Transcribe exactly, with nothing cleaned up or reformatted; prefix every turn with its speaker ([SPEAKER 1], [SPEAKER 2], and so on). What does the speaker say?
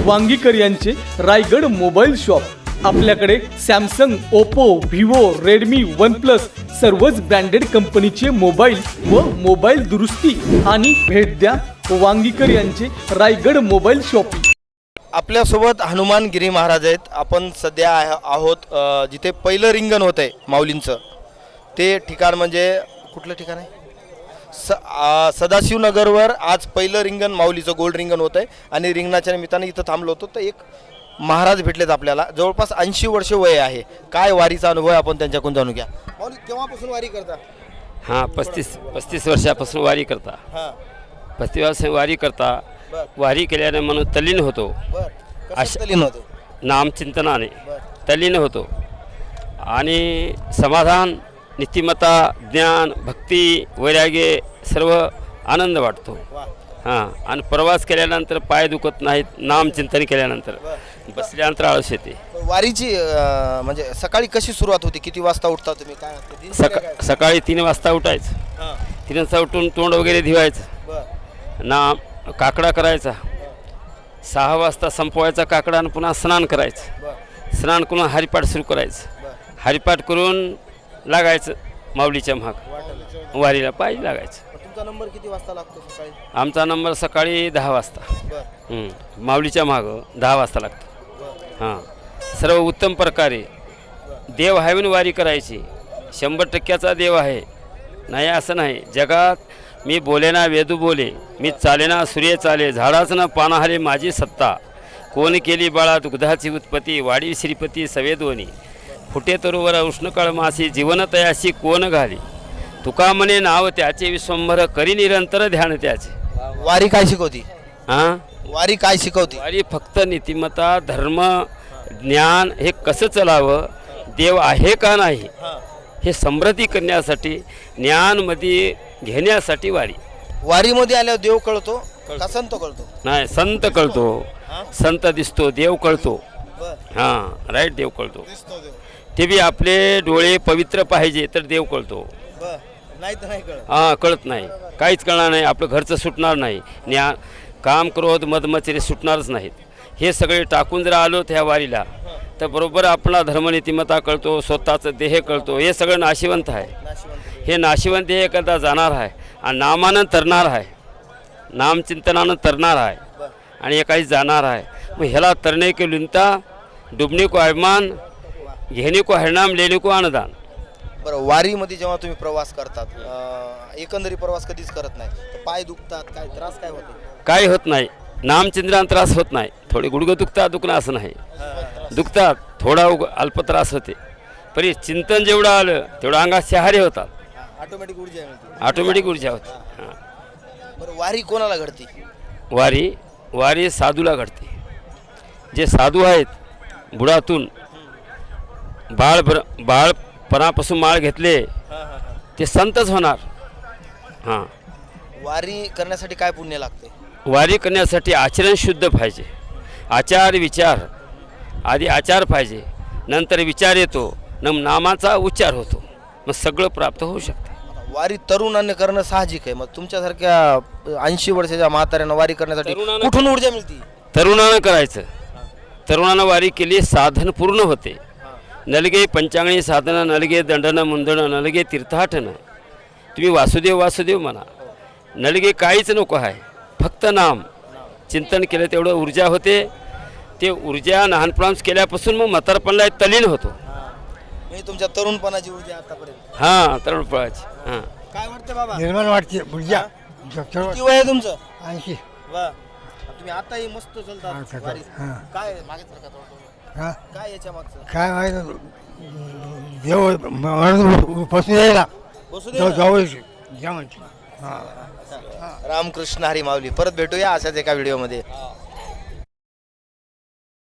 [SPEAKER 1] वांगीकर यांचे Raigad mobile shop. आपल्याकडे Samsung, Oppo, Vivo, Redmi, OnePlus सर्वच ब्रँडेड कंपनीचे मोबाईल व मोबाईल दुरुस्ती आणि भेट द्या वांगीकर यांचे रायगड मोबाईल शॉप।
[SPEAKER 2] आपल्यासोबत हनुमानगिरी महाराज आहेत। आपण सध्या आहोत जिथे पहिलं रिंगण होत आहे माऊलींचं, ते ठिकाण म्हणजे कुठलं ठिकाण आहे? स सदाशिवनगरवर आज पहिलं रिंगण माऊलीचं गोल्ड रिंगण होत आहे आणि रिंगणाच्या निमित्ताने इथं थांबलो होतो तर एक महाराज भेटलेत आपल्याला। जवळपास ऐंशी वर्ष वय आहे। काय वारीचा अनुभव आहे आपण त्यांच्याकडून जाणून घ्या। माऊली केव्हापासून वारी करता?
[SPEAKER 3] हां, पस्तीस पस्तीस वर्षापासून वारी करता।
[SPEAKER 2] हां,
[SPEAKER 3] पस्तीस वर्ष वारी करता। वारी केल्याने म्हणून तल्लीन होतो।
[SPEAKER 2] अशा तल्लीन होते
[SPEAKER 3] नामचिंतनाने तल्लीन होतो आणि समाधान, नीतिमत्ता, ज्ञान, भक्ती, वैराग्य सर्व आनंद वाटतो। हां, आणि प्रवास केल्यानंतर पाय दुखत नाहीत। नामचिंतन केल्यानंतर बसल्यानंतर आळस येते।
[SPEAKER 2] वारीची म्हणजे सकाळी कशी सुरुवात होती? किती वाजता उठता तुम्ही? काय
[SPEAKER 3] सका सकाळी तीन वाजता उठायचं। तीन वाजता उठून तोंड वगैरे धुवायचं, ना काकडा करायचा, सहा वाजता संपवायचा काकडा आणि पुन्हा स्नान करायचं। स्नान करून हरिपाठ सुरू करायचं। हरिपाठ करून लागायचं माऊलीच्या महाग वारीला पायी लागायचं।
[SPEAKER 2] तुमचा नंबर किती वाजता लागतो सकाळी?
[SPEAKER 3] आमचा नंबर सकाळी दहा वाजता माऊलीच्या मागं दहा वाजता लागतो। हां, सर्व उत्तम प्रकारे देव आहे म्हणून वारी करायची। शंभर टक्क्याचा देव आहे नाही असं नाही। जगात मी बोले ना वेदू बोले, मी चाले ना सूर्य चाले, झाडाच ना पानाहारे माझी सत्ता, कोण केली बाळा दुग्धाची उत्पत्ती, वाडी श्रीपती सवेदोनी, फुटे तरुवर उष्णकाळ मासी, जीवन तयाशी कोण घाली, तुका म्हणे नाव त्याचे विश्वंभर, करी निरंतर ध्यान त्याचे।
[SPEAKER 2] वारी काय शिकवती?
[SPEAKER 3] हां,
[SPEAKER 2] वारी काय शिकवती?
[SPEAKER 3] वारी फक्त नीतिमत्ता, धर्म, ज्ञान हे कसं चालावं, देव आहे का नाही हे समृद्धी करण्यासाठी, ज्ञानमध्ये घेण्यासाठी वारी।
[SPEAKER 2] वारीमध्ये आल्यावर देव कळतो का संत कळतो?
[SPEAKER 3] नाही, संत कळतो। संत दिसतो, देव कळतो। हां, राईट, देव कळतो। ते बी आपले डोळे पवित्र पाहिजे तर देव कळतो।
[SPEAKER 2] नाही तर नाही कळत।
[SPEAKER 3] हां, कळत नाही, काहीच कळणार नाही। आपलं घरचं सुटणार नाही, ज्ञान, काम, क्रोध, मदमचरे सुटणारच नाहीत। हे सगळे टाकून जर आलो त्या वारीला तर बरोबर आपला धर्मनीतिमत्ता कळतो, स्वतःचं देह कळतो। हे सगळं नाशिवंत आहे। हे नाशिवंत देह करता जाणार आहे आणि नामानं तरणार आहे, नामचिंतनानं तरणार आहे आणि एकाही जाणार आहे। मग ह्याला तरणे को लिंता, डुबणे को अभिमान, घेणे को हरिनाम, लेणे को अनुदान।
[SPEAKER 2] बरं, वारीमध्ये जेव्हा तुम्ही प्रवास करतात, एकंदरी प्रवास कधीच करत नाही तर पाय दुखतात, काय त्रास काय होते?
[SPEAKER 3] काही होत नाही, नामचिंतनानं त्रास होत नाही। थोडे गुडघं दुखतात, दुखणं असं नाही, दुखतात, थोडा उग अल्प त्रास होते, पण चिंतन जेवढं आलं तेवढं अंगात शहारे होतात,
[SPEAKER 2] ऑटोमॅटिक ऊर्जा मिळते,
[SPEAKER 3] ऑटोमॅटिक ऊर्जा होते। हां,
[SPEAKER 2] बरं, वारी कोणाला घडते?
[SPEAKER 3] वारी वारी साधूला घडते। जे साधू आहेत, बुडातून बाळ बाळपणापासून माळ घेतले ते संतच होणार। हां,
[SPEAKER 2] वारी करण्यासाठी काय पुण्य लागते?
[SPEAKER 3] वारी करण्यासाठी आचरण शुद्ध पाहिजे। आचार विचार आधी आचार पाहिजे, नंतर विचार येतो, न नामाचा उच्चार होतो, मग सगळं प्राप्त होऊ शकते।
[SPEAKER 2] वारी तरुणांनी करणं साहजिक आहे। मग तुमच्यासारख्या ऐंशी वर्षाच्या म्हाताऱ्यांना वारी करण्यासाठी कुठून ऊर्जा मिळते?
[SPEAKER 3] तरुणानं करायचं। तरुणानं वारी केली, साधन पूर्ण होते। नलगे पंचांगणी साधनं, नलगे दंडनं मुंदणं, नलगे तीर्थाटनं। तुम्ही वासुदेव वासुदेव म्हणा, नलगे काहीच नको आहे, फक्त नाम चिंतन केलं तेवढं ऊर्जा होते। ते ऊर्जा लहानपणापासून केल्यापासून मग म्हातारपणाला तल्लीन होतो।
[SPEAKER 2] मी तुमच्या तरुणपणाची ऊर्जा आतापर्यंत?
[SPEAKER 3] हां, तरुणपणाची। हां,
[SPEAKER 2] काय वाटतं बाबा?
[SPEAKER 4] निर्माण वाटते ऊर्जा।
[SPEAKER 2] किती वय आहे तुमचं?
[SPEAKER 4] ऐंशी।
[SPEAKER 2] वा, तुम्ही आताही मस्त चालतात वारीत।
[SPEAKER 4] हां,
[SPEAKER 2] काय मागे सरका थोडं.
[SPEAKER 4] हां,
[SPEAKER 2] काय याच्या मागचं?
[SPEAKER 4] काय माहिती देव म्हणून बसून यायला
[SPEAKER 2] बसू दे
[SPEAKER 4] जाऊ
[SPEAKER 2] ना.
[SPEAKER 4] जाऊ जेवण. हां,
[SPEAKER 2] रामकृष्ण हरी माऊली। परत भेटूया अशाच एका व्हिडिओमध्ये।